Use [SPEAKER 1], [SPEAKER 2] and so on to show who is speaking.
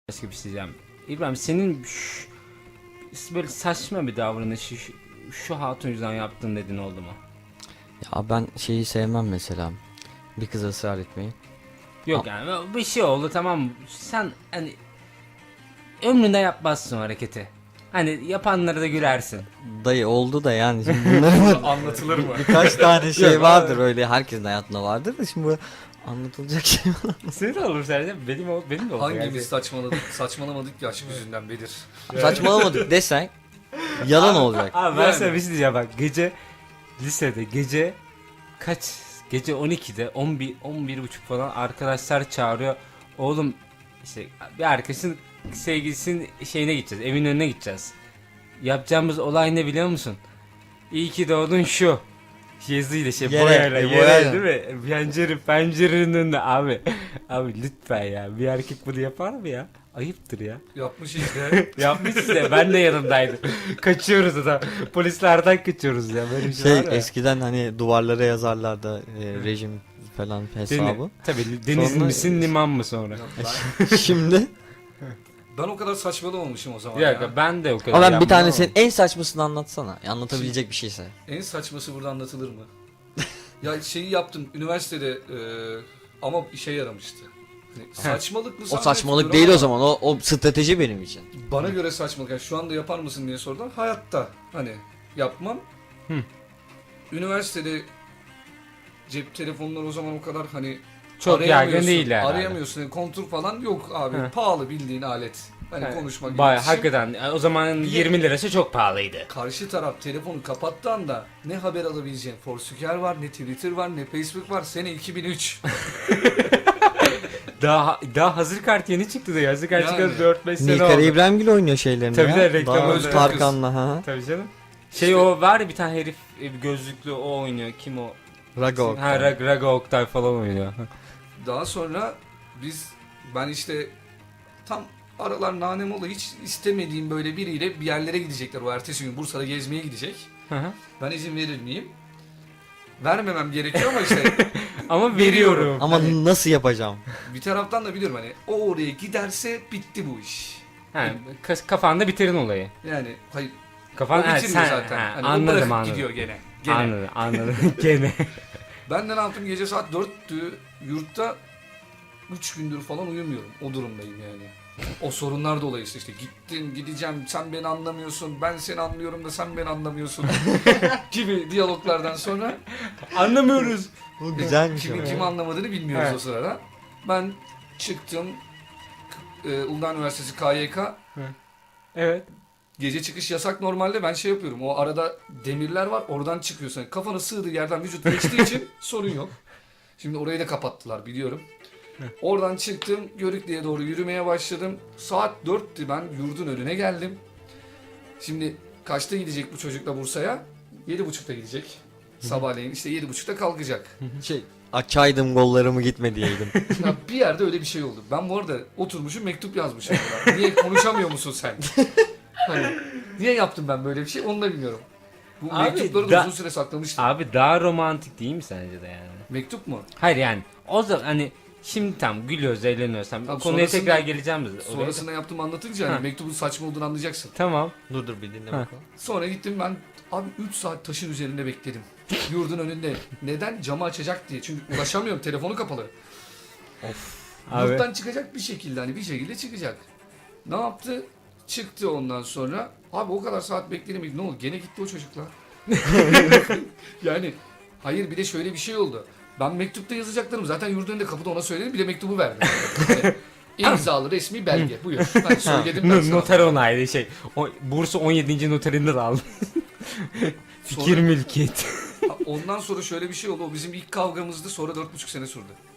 [SPEAKER 1] Başka bir şey diyeceğim. İbrahim senin böyle saçma bir davranışı şu hatun yüzünden yaptın dedin oldu mu?
[SPEAKER 2] Ya ben şeyi sevmem mesela. Bir kıza ısrar etmeyi.
[SPEAKER 1] Yok yani bir şey oldu tamam mı? Sen hani ömründe yapmazsın o hareketi. Hani yapanlara da gülersin.
[SPEAKER 2] Dayı oldu da yani şimdi bunların
[SPEAKER 3] Anlatılır mı?
[SPEAKER 2] birkaç tane şey
[SPEAKER 1] Yok,
[SPEAKER 2] vardır öyle, herkesin hayatında vardır da şimdi bu anlatılacak şey var.
[SPEAKER 1] Senin de olur sence? Benim de olur.
[SPEAKER 3] Hangimiz saçmalamadık ki aşk yüzünden Bedir?
[SPEAKER 2] Saçmalamadık desen yalan olacak.
[SPEAKER 1] Abi ben
[SPEAKER 3] Yani.
[SPEAKER 1] sana bir şey diyeceğim bak lisede gece 12'de 11 buçuk falan arkadaşlar çağırıyor. Oğlum işte bir arkadaşın sevgilisinin şeyine gideceğiz, evin önüne gideceğiz. Yapacağımız olay ne biliyor musun? İyi ki doğdun şu. Yazıyla
[SPEAKER 2] Yere,
[SPEAKER 1] boyayla
[SPEAKER 2] boyayla.
[SPEAKER 1] değil mi? Pencerenin önünde abi. Abi lütfen ya, bir erkek bunu yapar mı ya? Ayıptır ya.
[SPEAKER 3] Yapmış işte.
[SPEAKER 1] Yapmış size, ben de yanımdaydım. Kaçıyoruz da polislerden kaçıyoruz ya, böyle bir şey, var ya.
[SPEAKER 2] Eskiden hani duvarlara yazarlardı rejim falan hesabı.
[SPEAKER 1] Tabii deniz
[SPEAKER 2] Sonra-
[SPEAKER 1] misin liman mı sonra?
[SPEAKER 2] Şimdi
[SPEAKER 3] Ben o kadar saçmalamamışım o zaman
[SPEAKER 1] Bir dakika
[SPEAKER 3] ya.
[SPEAKER 1] ben de o kadar
[SPEAKER 2] ama ben bir
[SPEAKER 1] yapmam
[SPEAKER 2] tane
[SPEAKER 1] ama.
[SPEAKER 2] senin en saçmasını anlatsana. Anlatabilecek bir şeyse.
[SPEAKER 3] En saçması burada anlatılır mı? Ya şeyi yaptım üniversitede ama işe yaramıştı. Hani saçmalık mı
[SPEAKER 2] O
[SPEAKER 3] zannetmiyorum
[SPEAKER 2] saçmalık değil
[SPEAKER 3] ama
[SPEAKER 2] o zaman. O strateji benim için.
[SPEAKER 3] Bana göre saçmalık. Yani şu anda yapar mısın diye sordular. Hayatta hani yapmam.
[SPEAKER 1] Hı.
[SPEAKER 3] Üniversitede cep telefonları o zaman o kadar hani
[SPEAKER 1] Çok yaygın
[SPEAKER 3] arayamıyorsun,
[SPEAKER 1] değil yani.
[SPEAKER 3] Arayamıyorsun. Yani kontur falan yok abi.
[SPEAKER 1] Hı.
[SPEAKER 3] Pahalı bildiğin alet. Hani
[SPEAKER 1] Evet.
[SPEAKER 3] konuşmak
[SPEAKER 1] Bayağı
[SPEAKER 3] iletişim.
[SPEAKER 1] hakikaten o zaman 20 lirası çok pahalıydı.
[SPEAKER 3] Karşı taraf telefonu kapattığı anda ne haber alabileceğin Foursquare var, ne Twitter var, ne Facebook var. Sene 2003.
[SPEAKER 1] Daha hazır kart yeni çıktı da hazır kart
[SPEAKER 3] Yani.
[SPEAKER 1] çıkalı 4-5 sene
[SPEAKER 2] Nilkara
[SPEAKER 1] oldu.
[SPEAKER 2] İbrahimgil oynuyor şeylerini
[SPEAKER 1] Tabii
[SPEAKER 2] ya.
[SPEAKER 1] de reklam
[SPEAKER 2] Daha
[SPEAKER 3] oynuyor.
[SPEAKER 2] Tarkan'la ha.
[SPEAKER 1] Tabii canım.
[SPEAKER 3] İşte-
[SPEAKER 1] O var ya bir tane herif gözlüklü o oynuyor. Kim o?
[SPEAKER 2] Rago.
[SPEAKER 1] Ha Raga Oktay falan oynuyor.
[SPEAKER 3] Daha sonra ben işte tam aralar nanem ola hiç istemediğim böyle biriyle bir yerlere gidecekler. O ertesi gün Bursa'da gezmeye gidecek.
[SPEAKER 1] Hı hı.
[SPEAKER 3] Ben izin verir miyim? Vermemem gerekiyor ama işte
[SPEAKER 1] Ama veriyorum.
[SPEAKER 2] Ama nasıl yapacağım?
[SPEAKER 3] bir taraftan da biliyorum hani o oraya giderse bitti bu iş.
[SPEAKER 1] Ha, kafanda bitirin olayı.
[SPEAKER 3] Yani hayır
[SPEAKER 1] Kafan
[SPEAKER 3] o bitirmiyor zaten.
[SPEAKER 1] Ha,
[SPEAKER 3] Hani o
[SPEAKER 1] anladım
[SPEAKER 3] bırakıp
[SPEAKER 1] anladım.
[SPEAKER 3] gidiyor gene.
[SPEAKER 1] Anladım. Gene.
[SPEAKER 3] Ben de ne yaptım gece saat 4'tü yurtta 3 gündür falan uyumuyorum. O durumdayım yani. O sorunlar dolayısıyla işte gittim gideceğim sen beni anlamıyorsun ben seni anlıyorum da sen beni anlamıyorsun gibi diyaloglardan sonra
[SPEAKER 1] Anlamıyoruz.
[SPEAKER 2] Bu güzelmiş ama.
[SPEAKER 3] kimin kimi anlamadığını bilmiyoruz
[SPEAKER 1] Evet.
[SPEAKER 3] o sırada. Ben çıktım Uludağ Üniversitesi KYK
[SPEAKER 1] Evet.
[SPEAKER 3] gece çıkış yasak normalde ben şey yapıyorum o arada demirler var oradan çıkıyorsun. Yani kafanı sığdığı yerden vücut geçtiği için sorun yok. Şimdi orayı da kapattılar biliyorum. Oradan çıktım Görükle'ye doğru yürümeye başladım. Saat 4'tü ben yurdun önüne geldim. Şimdi kaçta gidecek bu çocukla Bursa'ya? 7.30'da gidecek. Sabahleyin işte 7.30'da kalkacak.
[SPEAKER 2] Açaydım gollarımı gitme diyeydim.
[SPEAKER 3] Ya bir yerde öyle bir şey oldu. Ben bu arada oturmuşum mektup yazmışım. buna. Niye konuşamıyor musun sen? Hani, niye yaptım ben böyle bir şey onu da bilmiyorum. Bu
[SPEAKER 1] Abi,
[SPEAKER 3] mektupları da uzun süre saklamıştım.
[SPEAKER 1] Abi daha romantik değil mi sence de yani?
[SPEAKER 3] Mektup mu?
[SPEAKER 1] Hayır yani o zaman hani şimdi tam gülüyoruz eğleniyoruz.
[SPEAKER 3] Tamam,
[SPEAKER 1] Konuya
[SPEAKER 3] sonrasında-
[SPEAKER 1] tekrar geleceğim biz. oraya.
[SPEAKER 3] Sonrasında yaptığımı anlatınca hani
[SPEAKER 1] Ha.
[SPEAKER 3] mektubun saçma olduğunu anlayacaksın.
[SPEAKER 1] Tamam.
[SPEAKER 2] dur bir dinle
[SPEAKER 1] Ha.
[SPEAKER 2] bakalım.
[SPEAKER 3] Sonra gittim ben abi 3 saat taşın üzerinde bekledim. Yurdun önünde. Neden? Camı açacak diye. Çünkü ulaşamıyorum. Telefonu kapalı.
[SPEAKER 1] Abi.
[SPEAKER 3] Yurttan çıkacak bir şekilde hani bir şekilde çıkacak. Ne yaptı? Çıktı ondan sonra. Abi o kadar saat bekledim. Ne oldu? Gene gitti o çocuklar. Yani hayır bir de şöyle bir şey oldu. Ben mektupta yazacaklarım zaten yurdun önünde kapıda ona söyledim. Bir de mektubu verdim. Yani, imzalı resmi belge. Buyur. Ben söyledim ben sana.
[SPEAKER 1] Noter onaylı şey. Bursa 17. noterinde de aldım. Fikir
[SPEAKER 3] Sonra-
[SPEAKER 1] mülkiyet.
[SPEAKER 3] Ondan sonra şöyle bir şey oldu. O bizim ilk kavgamızdı. Sonra 4,5 sene sürdü.